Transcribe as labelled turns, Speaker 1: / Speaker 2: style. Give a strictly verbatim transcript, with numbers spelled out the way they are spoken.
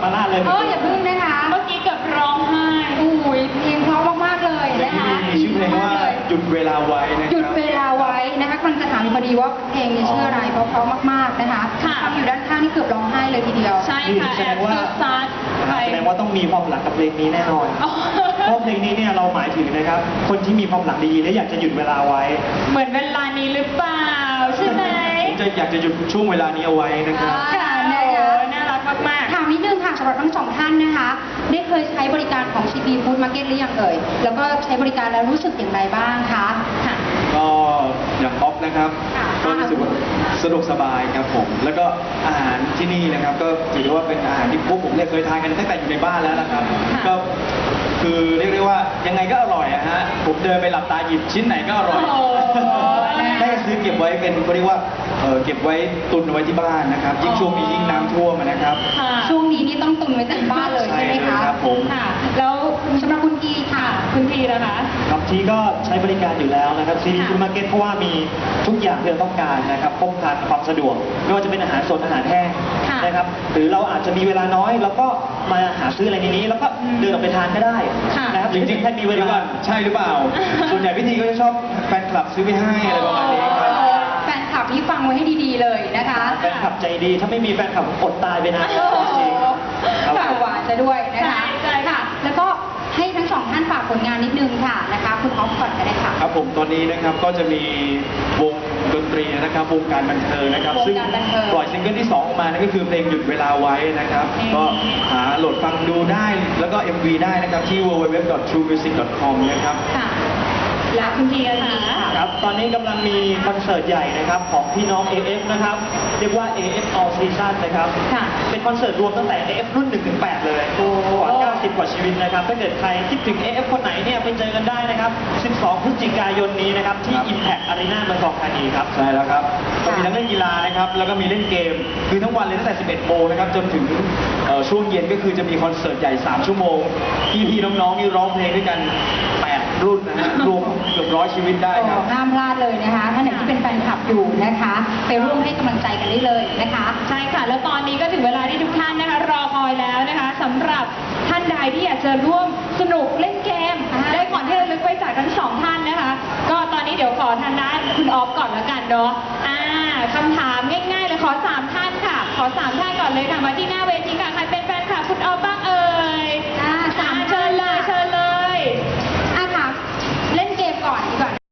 Speaker 1: มาลาดเลย
Speaker 2: เอออย่าพึ่งนะคะเมื่อกี้เกือบร้องไห้อุ้ยเพลงเพราะมากๆเลยนะคะ
Speaker 1: มีชื่อเพลงว่าหยุดเวลาไว้นะครับ
Speaker 2: หยุดเวลาไว้นะคะกำลังจะถามพอดีว่าเพลงนี้ชื่ออะไรเพราะเพราะมากๆนะคะฟังอยู่ด้านข้างนี่เกือบร้องไห้เลยทีเดียวใช่ค่ะแอบซัดซัด
Speaker 1: แสดงว่าต้องมีความหลังกับเพลงนี้แน่นอนเพราะเพลงนี้เนี่ยเราหมายถึงนะครับคนที่มีความหลังดีๆและอยากจะหยุดเวลาไว้
Speaker 2: เหมือนเวลานี้หรือเปล่าใช่ไหม
Speaker 1: ผมจะอยากจะหยุดช่วงเวลานี้เอาไว้นะครับ
Speaker 2: ค่ะนะคะน่ารักมากๆถามนิดนึงค่ะสำหรับทั้งสองท่านนะคะได้เคยใช้บริการของ ซี พี Food Market หรือยังเอ่ยแล้วก็ใช้บริการแล้วรู้สึกอย่างไรบ้างคะค่ะ
Speaker 1: ก็อย่างออฟนะครับก็รู้สึกว่าสะดวกสบายครับผมแล้วก็อาหารที่นี่นะครับก็ถือว่าเป็นอาหารที่พวกผมเนี่ยเคยทานกันตั้งแต่อยู่ในบ้านแล้วนะครับก็คือเรียกได้ว่ายังไงก็อร่อยอะฮะผมเดินไปหลับตาหยิบชิ้นไหนก็อร่อยได้ซื้อเก็บไว้เป็นเขาเรียกว่าเก็บไว้ตุนไว้ที่บ้านนะครับยิ่งช่วงนี้ยิ่งน้ำท่วมนะครับ
Speaker 2: ช่วงนี้นี่ต้องตุนไว้ที่บ้านเลยใช่ไหมคะ
Speaker 1: ครับผม
Speaker 2: ค่ะแล้วสำหรับคุณทีค่ะคุณทีนะคะ
Speaker 1: ครับทีก็ใช้บริการอยู่แล้วนะครับซีรีส์ฟู้ดมาร์เก็ตเพราะว่ามีทุกอย่างที่เราต้องการนะครับครบครันความสะดวกไม่ว่าจะเป็นอาหารสดอาหารแห้งนะครับหรือเราอาจจะมีเวลาน้อยแล้วก็มาหาซื้ออะไรในนี้แล้วก็เดินออกไปทานก็ได้นะครับจริงๆแค่มีเวลาใช่หรือเปล่าส่วนใหญ่พี่ทีก็จะชอบแฟนคลับซื้อไปให้อะไรประมาณนี้ครับ
Speaker 2: แฟนคลับนี่ฟังไว้ให้ดีๆเลยนะคะ
Speaker 1: แฟนคลับใจดีถ้าไม่มีแฟนคลับอดตายไปนะจริง
Speaker 2: ฝากหวานจะด้วยนะคะใช่ค่ะแล้วก็ให้ทั้งสองท่านฝากผลงานนิดนึงค่ะนะคะคุณออฟก่อนก็ได้ค่ะ
Speaker 1: ครับผมตอนนี้นะครับก็จะมีวงดนตรีนะครับวงการบันเทิงนะครับซึ่งปล่อยซิงเกิลที่สองออกมานั่นก็คือเพลงหยุดเวลาไว้นะครับก็หาโหลดฟังดูได้แล้วก็ เอ็ม วี ได้นะครับที่ ดับเบิลยู ดับเบิลยู ดับเบิลยู ดอท ทรู มิวสิก ดอท คอม นะครับ
Speaker 2: และคุณทีค่ะ
Speaker 1: ครับตอนนี้กำลังมีคอนเสิร์ตใหญ่นะครับของพี่น้อง เอ เอฟ นะครับเรียกว่า เอ เอฟ All Season นะครับเป็นคอนเสิร์ตรวมตั้งแต่ เอ เอฟ รุ่นหนึ่งถึงแปดเลยกว่าเก้าสิบกว่าชีวิตนะครับถ้าเกิดใครคิดถึง เอ เอฟ คนไหนเนี่ยไปเจอกันได้นะครับสิบสองพฤศจิกายนนี้นะครับที่ Impact Arena เมืองทองธานีครับใช่แล้วครับก็มีทั้งเล่นกีฬานะครับแล้วก็มีเล่นเกมคือทั้งวันเลยตั้งแต่สิบเอ็ดโมงนะครับจนถึงช่วงเย็นก็คือจะมีคอนเสิร์ตใหญ่สามชั่วโมงพี่ๆน้องๆนี่ร้องเพลงด้วยกันแปดรุ่นนะฮะรวมเกือบร้อยชีวิตได้ครับ
Speaker 2: ห้ามพลาดเลยนะคะท่านไหนที่เป็นแฟนคลับอยู่นะคะไปร่วมให้กำลังใจกันได้เลยนะคะใช่ค่ะแล้วตอนนี้ก็ถึงเวลาที่ทุกท่านนะคะรอคอยแล้วนะคะสำหรับท่านใดที่อยากจะร่วมสนุกเล่นเกมได้ก่อนที่จะลึกไปจากทั้งสองท่านนะคะก็ตอนนี้เดี๋ยวขอทางด้านคุณออฟก่อนแล้วกันเนาะอ่าคำถามง่ายๆเลยขอสามท่านค่ะขอสามท่านก่อนเลยค่ะมาที่หน้าเวทีค่ะใครเป็นแฟนคลับคุณออฟ